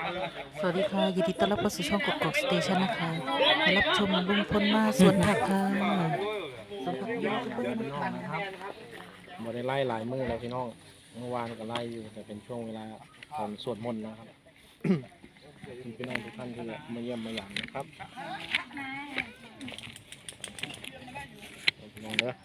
สวัสดีค่ะยินดีต้อนรับเข้าสู่ช่องกกอกสเตชันนะคะมารับชมลุงพลมาสวนผักค่ะสวนผักเยอะเพื่อนๆนะคะบ่ได้ไล่หลายมื้อแล้วพี่น้องเมื่อวานก็ไล่อยู่แต่เป็นช่วงเวลาตอนสวดมนต์นะครับ พี่น้องทุกท่านที่มาเยี่ยมมาหยามนะครับพี่น้องเด้อ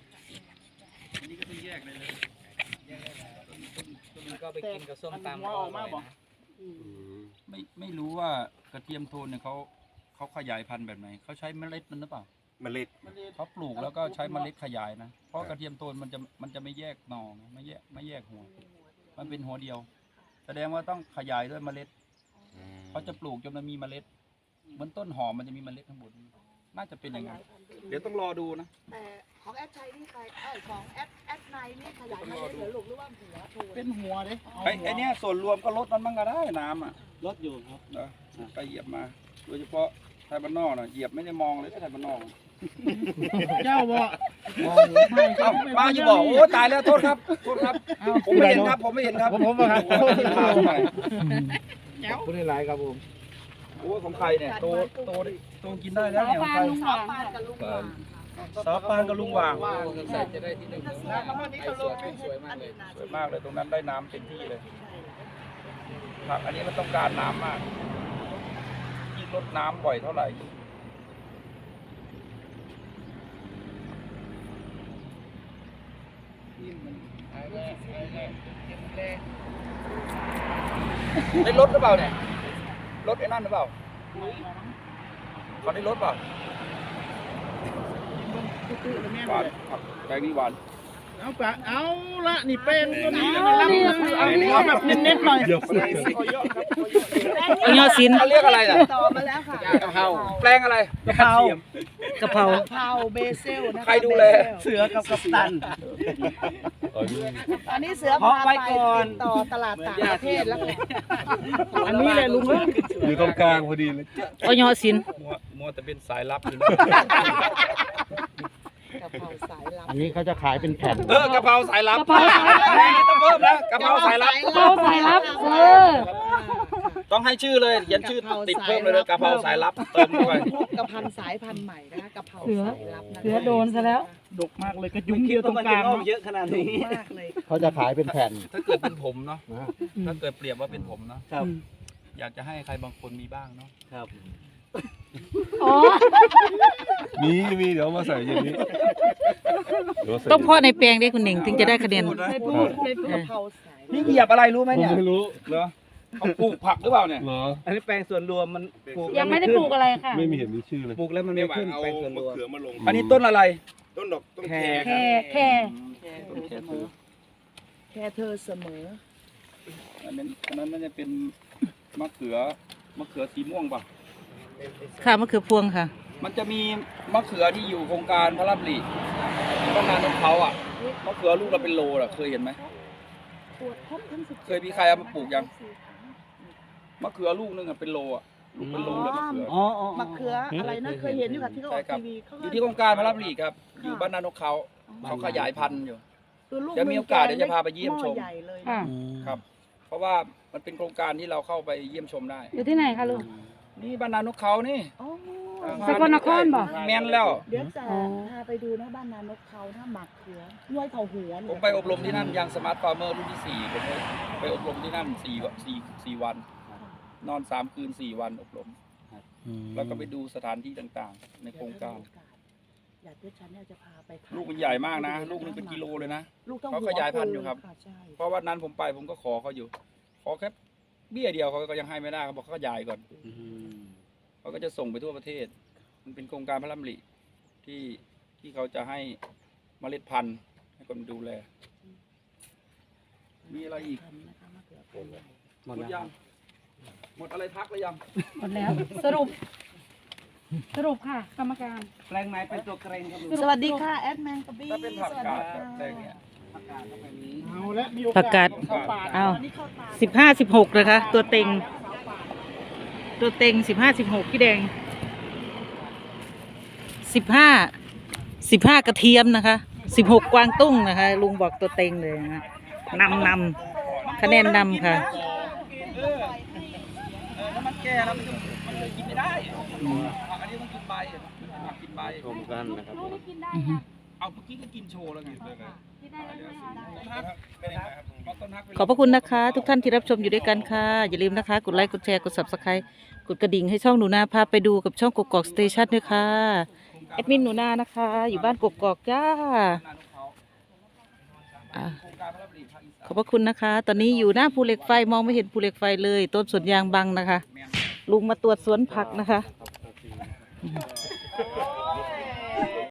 ก็ไปกินกับส้มตำออกมาบอกไม่รู้ว่ากระเทียมโทนเนี่ยเขาขยายพันธุ์แบบไหนเขาใช้เมล็ดมันหรือเปล่าเมล็ดเขาปลูกแล้วก็ใช้เมล็ดขยายนะเพราะกระเทียมโทนมันจะไม่แยกหน่อนะไม่แยกหัวมันเป็นหัวเดียว แสดงว่าต้องขยายด้วยเมล็ดเขาจะปลูกจนมันมีเมล็ดเหมือนต้นหอมมันจะมีเมล็ดข้างบนน่าจะเป็นอย่างนั้นเดี๋ยวต้องรอดูนะแต่ของแอดชัยนี่ใครของแอดไนนี่ขยายมาเหลือหลุมหรือว่าหัวโทนเป็นหัวเลยไอ้เนี่ยส่วนรวมก็ลดมันบ้างก็ได้น้ำอ่ะรถอยู่ครับไปเหยียบมาโดยเฉพาะไทยบ้านนอกน่ะเหยียบไม่ได้มองเลยไทยบ้านนอกเจ้าบ่ป้าอยู่บอกโอ้ตายแล้วโทษครับผมไม่เห็นครับผมไม่เห็นครับผมครับผู้ได้หลายครับผมโอ้ของใครเนี่ยโตกินได้แล้วเนี่ยของใครซอปานกับลุงหว่างซอปานกับลุงหว่างใส่จะได้ที่หนึ่งสวยมากเลยสวยมากเลยตรงนั้นได้น้ำเต็มที่เลยผักอันนี้มันต้องการน้ำมากยิ่งลดน้ำบ่อยเท่าไหร่ได้ลดหรือเปล่าเนี่ยลดไอ้นั่นหรือเปล่าเขาได้ลดเปล่าหวานแกงนี้หวานเอาละนี่เป็นตัวนี้เอาแบบเน้นๆหน่อยเอายอดสินเขาเรียกอะไรน่ะต่อมาแล้วค่ะกะเพราแปลงอะไรกะเพราเบเซลนะคะใครดูแลเสือกับกัปตันตอนนี้เสือพาไปต่อตลาดต่างประเทศแล้วค่ะอันนี้เลยลุงอยู่ตรงกลางพอดีเลยเอายอดสินมัวแต่เป็นสายลับอยู่กะเพราสายลับอันนี้เขาจะขายเป็นแผ่นกะเพราสายลับต้องเพิ่มนะกะเพราสายลับ ต้องให้ชื่อเลยเขียนชื่อติดเพิ่มเลยกะเพราสายลับเติมเข้าไปกะเพราสายพันธุ์ใหม่นะคะกะเพราสายลับนะคะเสือโดนซะแล้วดกมากเลยกระยุงเดียวตรงกลางเยอะขนาดนี้มากเลยเขาจะขายเป็นแผ่นถ้าเกิดเป็นผมเนาะถ้าเกิดเปรียบว่าเป็นผมเนาะอยากจะให้ใครบางคนมีบ้างเนาะครับมีเดี๋ยวมาใส่อย่างนี้ต้องเพาะในแปลงได้คุณหนิงถึงจะได้คะแนนไม่พูดกะเพราสายนี่เหยียบอะไรรู้ไหมเนี่ยไม่รู้เหรอเขาปลูกผักหรือเปล่าเนี่ยเหรออันนี้แปลงส่วนรวมมันปลูกยังไม่ได้ปลูกอะไรค่ะไม่มีเห็นมีชื่อเลยปลูกแล้วมันไม่ขึ้นแปลงส่วนรวมอันนี้ต้นอะไรต้นดอกต้นแคแค่ต้นแคเธอแค่เธอเสมออันนั้นน่าจะเป็นมะเขือสีม่วงป่ะค่ะมะเขือพวงค่ะมันจะมีมะเขือที่อยู่โครงการพระรับหลีต้นนานของเขาอ่ะมะเขือลูกเราเป็นโลอ่ะเคยเห็นไหมเคยมีใครเอามาปลูกยังมะเขือลูกนึงอ่ะเป็นโลอ่ะลูกเป็นโลเลยมะเขือมะเขืออะไรนะเคยเห็นอยู่ค่ะที่เขาออกทีวีเขาอยู่ที่โครงการพระรับหลีครับอยู่บ้านนานกเขาขยายพันธุ์อยู่คือลูกเดี๋ยวมีโอกาสเดี๋ยวจะพาไปเยี่ยมชมหอใหญ่เลยค่ะครับ เพราะว่ามันเป็นโครงการที่เราเข้าไปเยี่ยมชมได้อยู่ที่ไหนคะลุงนี่บ้านนานกเขานี่อ๋อสกลนครบ่แม่นแล้วเดี๋ยวจะพาไปดูนะบ้านนานกเขาถ้าหมักเขือห้วยเขาหัวผมไปอบรมที่นั่นยังสมาร์ทฟาร์มเมอร์รุ่นที่4ผมไปอบรมที่นั่น4 วัน นอน3 คืน 4 วันอบรม แล้วก็ไปดูสถานที่ต่างๆ ในโครงการอยากที่ฉันเนี่ยจะพาไปลูกมันใหญ่มากนะ ลูกนึงเป็นกิโลเลยนะ เขาขยายพันธุ์อยู่ครับ เพราะวันนั้นผมไปผมก็ขอเขาอยู่ ขอแค่เบี้ยเดียวเขาก็ยังให้ไม่ได้เขาบอกเขาขยายก่อนเขาก็จะส่งไปทั่วประเทศ มันเป็นโครงการพระราชดำริที่เขาจะให้เมล็ดพันธุ์ให้คนดูแล มีอะไรอีกหมดยังหมดอะไรทักหรือยังหมดแล้วสรุปค่ะกรรมการแปลงไหนเป็นตัวเกรงครับลุงสวัสดีค่ะแอดแมนกบี้ถ้าเป็นผักกาดแบบแดงเนี่ยเอาละมีโอกาสผักกาดเอา15-16เลยค่ะตัวเต็ง15-16พี่แดง15กระเทียมนะคะ16กวางตุ้งนะคะลุงบอกตัวเต็งเลยนะคะนำคะแนนนำค่ะก่แล้วมันเลยกินไม่ได้ผักอันนี้ต้องกินใบผักกินใบชมกันนะครับเอาเมื่อกี้ก็กินโชว์แล้วไงต้นฮักขอบพระคุณนะคะ ทุกท่านที่รับชมอยู่ด้วยกันค่ะ อย่าลืมนะคะ กดไลค์กดแชร์กด Subscribe กดกระดิ่งให้ช่องหนูนาพาไปดูกับช่องกกอกสเตชันด้วยค่ะแอดมินหนูนานะคะ อยู่บ้านกกอกจ้าขอบพระคุณนะคะ ตอนนี้อยู่หน้าภูเหล็กไฟมองไม่เห็นภูเหล็กไฟเลย ต้นสวนยางบังนะคะ ลุงมาตรวจสวนผักนะคะ